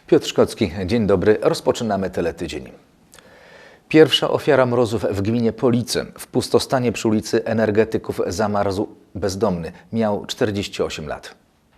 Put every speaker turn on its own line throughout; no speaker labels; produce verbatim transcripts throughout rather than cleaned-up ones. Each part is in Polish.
Piotr Szkocki, dzień dobry. Rozpoczynamy Teletydzień. Pierwsza ofiara mrozów w gminie Police. W pustostanie przy ulicy Energetyków zamarzł bezdomny. Miał czterdzieści osiem lat.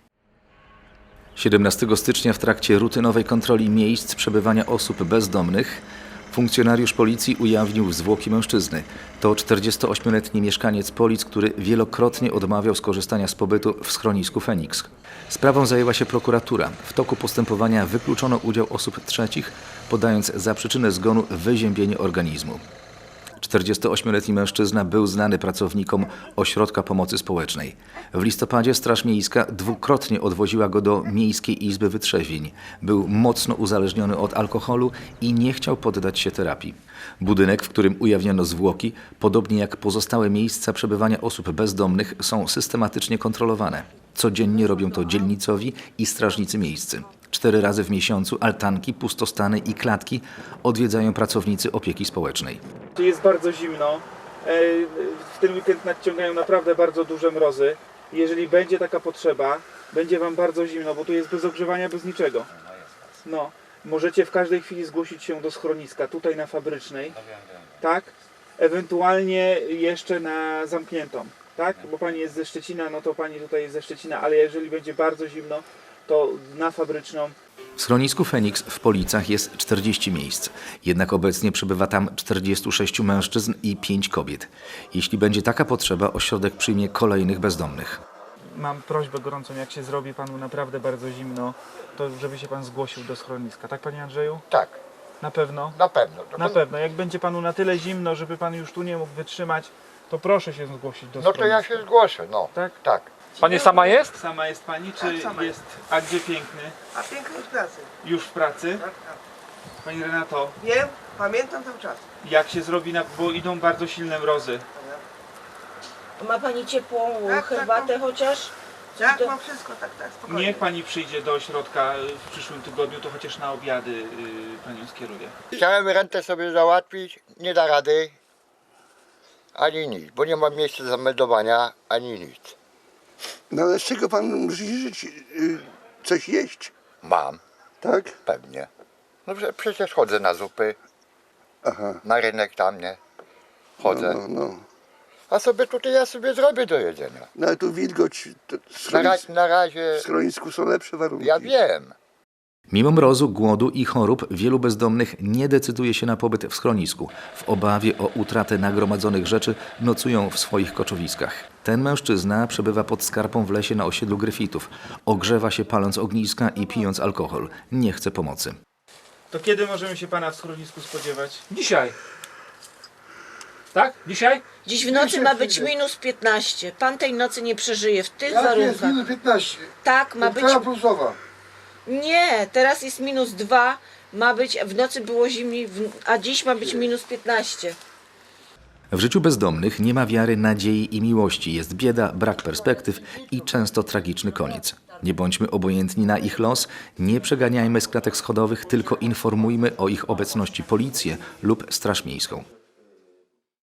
siedemnastego stycznia w trakcie rutynowej kontroli miejsc przebywania osób bezdomnych funkcjonariusz policji ujawnił zwłoki mężczyzny. To czterdziestoośmioletni mieszkaniec Polic, który wielokrotnie odmawiał skorzystania z pobytu w schronisku Feniks. Sprawą zajęła się prokuratura. W toku postępowania wykluczono udział osób trzecich, podając za przyczynę zgonu wyziębienie organizmu. czterdziestoośmioletni mężczyzna był znany pracownikom Ośrodka Pomocy Społecznej. W listopadzie Straż Miejska dwukrotnie odwoziła go do Miejskiej Izby Wytrzeźwień. Był mocno uzależniony od alkoholu i nie chciał poddać się terapii. Budynek, w którym ujawniono zwłoki, podobnie jak pozostałe miejsca przebywania osób bezdomnych, są systematycznie kontrolowane. Codziennie robią to dzielnicowi i strażnicy miejscy. Cztery razy w miesiącu altanki, pustostany i klatki odwiedzają pracownicy opieki społecznej.
Jest bardzo zimno. W ten weekend nadciągają naprawdę bardzo duże mrozy. Jeżeli będzie taka potrzeba, będzie Wam bardzo zimno, bo tu jest bez ogrzewania, bez niczego. No, możecie w każdej chwili zgłosić się do schroniska, tutaj na Fabrycznej, tak? Ewentualnie jeszcze na zamkniętą, tak? Bo Pani jest ze Szczecina, no to Pani tutaj jest ze Szczecina, ale jeżeli będzie bardzo zimno, to na Fabryczną.
W schronisku Feniks w Policach jest czterdzieści miejsc, jednak obecnie przebywa tam czterdziestu sześciu mężczyzn i pięć kobiet. Jeśli będzie taka potrzeba, ośrodek przyjmie kolejnych bezdomnych.
Mam prośbę gorącą, jak się zrobi Panu naprawdę bardzo zimno, to żeby się Pan zgłosił do schroniska. Tak, Panie Andrzeju?
Tak,
Na pewno?
na pewno.
Na pewno. Jak będzie Panu na tyle zimno, żeby Pan już tu nie mógł wytrzymać, to proszę się zgłosić do
No
schroniska.
to ja się zgłoszę, no.
Tak?
Tak.
Pani sama jest?
Sama jest Pani, czy
Tak, sama
jest... A gdzie Piękny?
A piękny jest w pracy.
Już w pracy?
Tak, tak.
Pani Renato,
Wiem, pamiętam cały czas.
jak się zrobi, na... bo idą bardzo silne mrozy.
Ma Pani ciepłą
Tak,
herbatę
tak,
chociaż?
Tak,
Do-
mam wszystko, tak, tak, spokojnie.
Niech Pani przyjdzie do ośrodka w przyszłym tygodniu, to chociaż na obiady yy, Panią skieruję.
Chciałem rentę sobie załatwić, nie da rady, ani nic, bo nie mam miejsca zameldowania, ani nic.
No ale z czego pan musi żyć? Y, Coś jeść,
Mam,
tak?
pewnie. No prze- przecież chodzę na zupy,
Aha.
na rynek tam, nie? Chodzę.
No, no.
A sobie tutaj ja sobie zrobię do jedzenia.
No ale tu wilgoć, to
Na,
schronis,
ra- na razie,
w schronisku są lepsze warunki.
ja wiem.
Mimo mrozu, głodu i chorób wielu bezdomnych nie decyduje się na pobyt w schronisku. W obawie o utratę nagromadzonych rzeczy nocują w swoich koczowiskach. Ten mężczyzna przebywa pod skarpą w lesie na osiedlu Gryfitów. Ogrzewa się paląc ogniska i pijąc alkohol. Nie chce pomocy.
To kiedy możemy się Pana w schronisku spodziewać?
Dzisiaj. Tak? Dzisiaj?
Dziś w nocy ma być minus piętnaście. Pan tej nocy nie przeżyje w tych warunkach.
piętnaście.
Tak, ma być...
plusowa.
Nie, teraz jest minus dwa. Ma być, w nocy było zimniej, w- a dziś ma być minus piętnaście.
W życiu bezdomnych nie ma wiary, nadziei i miłości. Jest bieda, brak perspektyw i często tragiczny koniec. Nie bądźmy obojętni na ich los, nie przeganiajmy z klatek schodowych, tylko informujmy o ich obecności policję lub Straż Miejską.